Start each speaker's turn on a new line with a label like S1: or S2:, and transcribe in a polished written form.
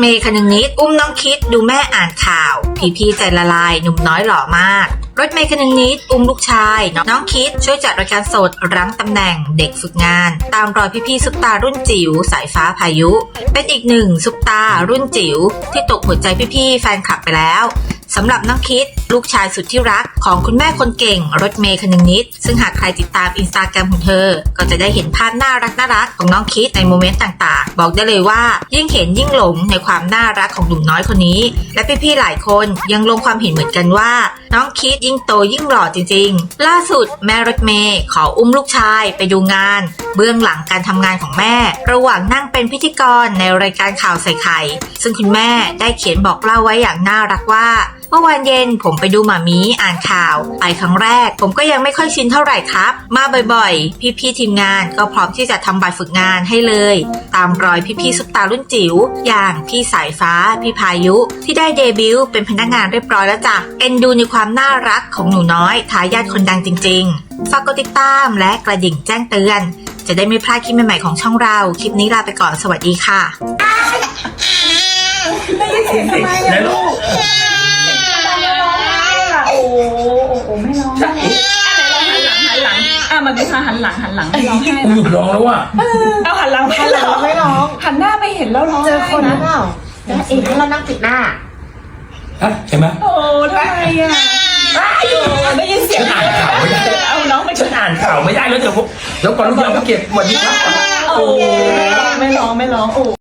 S1: เมย์คนึงนิดอุ้มน้องคิดดูแม่อ่านข่าวพี่ใจละลายหนุ่มน้อยหล่อมากรถเมย์คนึงนิดอุ้มลูกชายน้องคิดช่วยจัดรายการสดรั้งตำแหน่งเด็กฝึกงานตามรอยพี่ซุปตารุ่นจิ๋วสายฟ้าพายุเป็นอีกหนึ่งซุปตารุ่นจิ๋วที่ตกหัวใจพี่แฟนคลับไปแล้วสำหรับน้องคิดลูกชายสุดที่รักของคุณแม่คนเก่งรถเมย์คนึงนิดซึ่งหากใครติดตามอินสตาแกรมของเธอก็จะได้เห็นภาพน่ารักของน้องคิดในโมเมนต์ต่างๆบอกได้เลยว่ายิ่งเห็นยิ่งหลงในความน่ารักของหนุ่มน้อยคนนี้และพี่หลายคนยังลงความเห็นเหมือนกันว่าน้องคิดยิ่งโตยิ่งหล่อจริงๆล่าสุดแม่รถเมย์ขออุ้มลูกชายไปดูงานเบื้องหลังการทำงานของแม่ระหว่างนั่งเป็นพิธีกรในรายการข่าวใส่ไข่ซึ่งคุณแม่ได้เขียนบอกเล่าไว้อย่างน่ารักว่าเมื่อวานเย็นผมไปดูหม่ามีอ่านข่าวไปครั้งแรกผมก็ยังไม่ค่อยชินเท่าไหร่ครับมาบ่อยๆพี่ทีมงานก็พร้อมที่จะทำบัตรฝึกงานให้เลยตามรอยพี่ซุปตารุ่นจิ๋วอย่างพี่สายฟ้าพี่พายุที่ได้เดบิวต์เป็นพนักงานเรียบร้อยแล้วจ้ะเอ็นดูในความน่ารักของหนูน้อยทายาทคนดังจริงๆฝากกดติดตามและกระดิ่งแจ้งเตือนจะได้ไม่พลาดคลิปใหม่ๆของช่องเราคลิปนี้ลาไปก่อนสวัสดีค่ะ
S2: ได้ยินเสียงทำไมอะลูกโอ้ไม่ร้องไหนร้องหันหลังมาดิค่ะหันหลังไม่ร้องให้
S3: กูหยุดร้องแล้วว่ะ
S2: เอาหันหลังไม่ร้องหันหน้าไปเห็นแล้วร้อง
S4: เจอคนนะเปล่าแล้วเองให้เรานั่งปิดหน้า
S3: ใช่ไหม
S2: โอ้ทำไมอ่ะได้ยินเสียง
S3: อ่านข่าวไม่ได้
S2: เอาน้องไป
S3: ฉันอ่านข่าวไม่ได้แล้วเดี๋ยวก่อนลูกเราไปเก็บวันนี้ครับ
S2: โอ้ไม่ร้องโอ้